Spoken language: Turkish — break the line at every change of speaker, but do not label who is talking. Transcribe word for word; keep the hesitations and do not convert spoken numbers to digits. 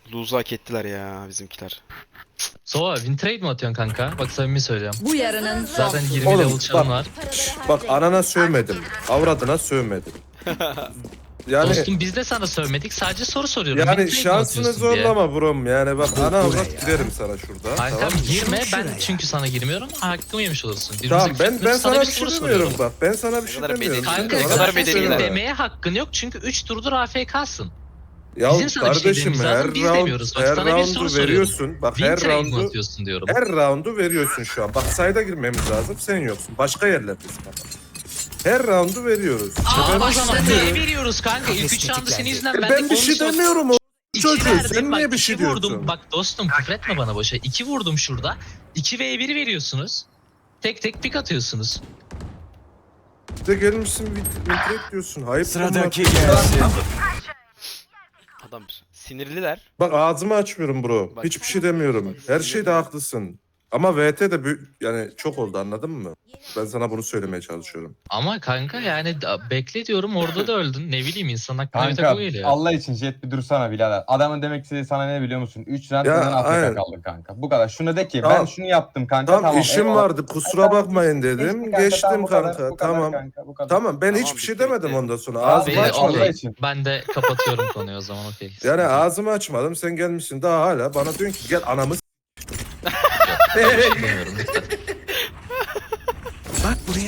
Lose'u hak ettiler ya bizimkiler.
Sova win trade mi atıyorsun kanka? Bak samimi söylüyorum.
Bu yarının son
Zaten
turu.
yirmi
Oğlum,
level çarın
bak.
var.
Bak anana sövmedim. Avradına sövmedim. Yani
Dostum biz de sana sövmedik. Sadece soru soruyorum. Win
yani
trade mi
şansını
atıyorsun diye.
zorlama brom. Yani bak ana avrat girerim sana şurada.
Kankam
Tamam mı?
girme ben çünkü sana girmiyorum. Hakkımı yemiş olursun. Birbirimize
Tamam ben ben
küfretmiyoruz,
sana bir
soru
şey
soruyorum.
demiyorum bak. Ben sana bir şey
kadar
demiyorum.
medeni-
Kanka
Ne
Bana
kadar
zaten
bir şey
medeniler.
senin
söyleme.
demeye hakkın yok çünkü üç turdur A F K'sın.
Ya
Bizim sana bir şey
kardeşim
dememiz
her
lazım, biz
round,
demiyoruz. Bak,
her
sana bir soru
roundu
soruyorum.
veriyorsun. Bak
Win
her
trade mi
roundu
atıyorsun diyorum.
her roundu veriyorsun şu an. Bak sayda girmemiz lazım. Sen yoksun. Başka yerlerdesin bak. Her roundu veriyoruz.
Aa,
ben,
o zaman neye veriyoruz kanka? İlk üç roundu senin yüzünden ben,
ben bir şey demiyorum o
İki
çocuğu.
verdim,
Sen
bak,
niye bir
iki
şey
vurdum.
diyorsun?
Bak dostum küfretme bana boşa. İki vurdum şurada. iki ve bir veriyorsunuz. Tek tek pik atıyorsunuz.
Bir de gelmişsin vitret diyorsun. Hayır.
Sıradaki
bunlar.
gelsin.
Adam sinirliler.
Bak ağzımı açmıyorum bro.
Bak.
Hiçbir şey demiyorum. Her şeyde haklısın. Ama V T de büyük, yani çok oldu anladın mı? Ben sana bunu söylemeye çalışıyorum.
Ama kanka yani da- bekle diyorum orada da öldün. Ne bileyim insan aklına bir
Kanka
takı geliyor.
Allah için Jet bir dursana birader. Adamın demek istediği sana ne biliyor musun? üç round
Ya,
neden
aynen.
Afrika kaldı kanka. Bu kadar. Şunu de ki
Tamam.
ben şunu yaptım kanka.
Tamam,
Tamam,
işim
eyvallah.
vardı kusura bakmayın dedim.
Geçti kanka,
Geçtim
tamam, bu kadar,
kanka.
bu kadar
Tamam.
kanka, bu kadar.
Tamam ben
Tamam,
hiçbir şey
bitti,
demedim
bitti.
ondan sonra.
Abi,
Ağzımı
Abi,
açmadım.
okey.
için.
Ben de kapatıyorum konuyu o zaman okey.
Yani ağzımı açmadım. Sen gelmişsin daha hala bana diyorsun ki gel anamı s-
Yok, ben bir şey demiyorum lütfen.